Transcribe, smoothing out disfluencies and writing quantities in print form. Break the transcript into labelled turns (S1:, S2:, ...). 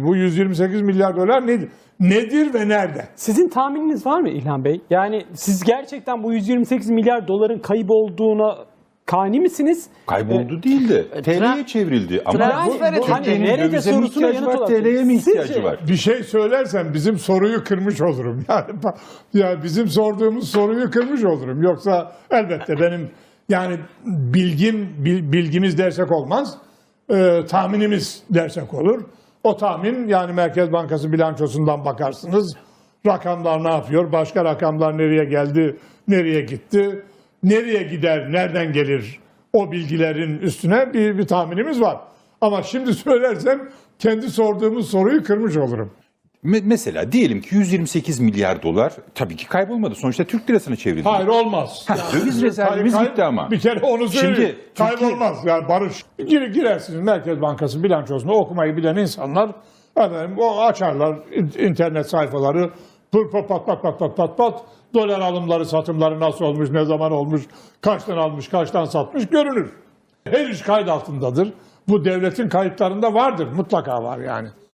S1: Bu 128 milyar dolar nedir? Nedir ve nerede?
S2: Sizin tahmininiz var mı İlhan Bey? Yani siz gerçekten bu 128 milyar doların kaybolduğuna kani misiniz?
S3: Kayboldu değil de TL'ye çevrildi. Ama
S2: Hani nerede sorusuna yanıt olarak.
S3: TL'ye mi ihtiyacı
S2: Sizce?
S3: var?
S1: Bir şey söylersem bizim soruyu kırmış olurum. Yani bizim sorduğumuz soruyu kırmış olurum. Yoksa elbette benim yani bilgimiz dersek olmaz. Tahminimiz dersek olur. O tahmin yani Merkez Bankası bilançosundan bakarsınız. Rakamlar ne yapıyor? Başka rakamlar nereye geldi? Nereye gitti? Nereye gider? Nereden gelir? O bilgilerin üstüne bir tahminimiz var. Ama şimdi söylersem kendi sorduğumuz soruyu kırmış olurum.
S3: Mesela diyelim ki 128 milyar dolar tabii ki kaybolmadı. Sonuçta Türk lirasına çevrildi.
S1: Hayır olmaz.
S3: Döviz rezervimiz gitti ama.
S1: Bir kere onu söyleyeyim.
S3: Şimdi
S1: Kaybolmaz yani barış. Girersiniz Merkez Bankası bilançosunu okumayı bilen insanlar o açarlar internet sayfaları pat dolar alımları satımları nasıl olmuş, ne zaman olmuş, kaçtan almış, kaçtan satmış görünür. Her iş kayıt altındadır. Bu devletin kayıtlarında vardır. Mutlaka var yani.